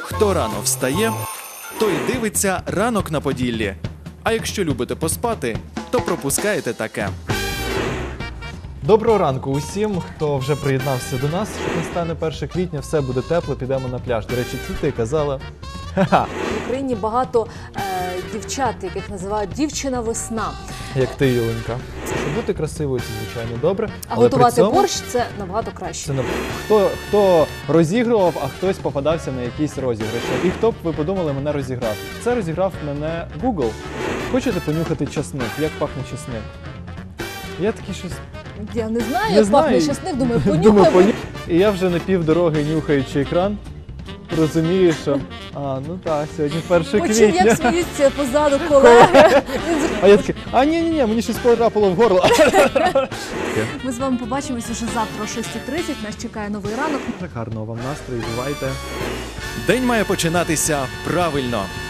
Хто рано встає, той дивиться «Ранок на Поділлі». А якщо любите поспати, то пропускаєте таке. Доброго ранку усім, хто вже приєднався до нас. Настане 1 квітня, все буде тепло, підемо на пляж. До речі, це ти казала. Ха-ха. В Україні багато дівчат, яких називають «дівчина-весна». Як ти, Юленька. Щоб бути красивою, це, звичайно, добре. А але готувати при цьому борщ – це набагато краще. це хто розігрував, а хтось попадався на якісь розіграші. І хто б, ви подумали, мене розіграв? Це розіграв мене Google. Хочете понюхати часник? Як пахне часник? Я такий щось... Я не знаю, Не як знаю. пахне часник, думаю, Думаю, понюхаємо. І я вже на півдороги, нюхаючи екран, розумію, що ну так, сьогодні 1 Почув, як квітня. сміються позаду колеги. А я такий, ні, мені щось потрапило в горло. Ми з вами побачимось уже завтра о 6:30. Нас чекає новий ранок. Гарного вам настрою, бувайте. День має починатися правильно.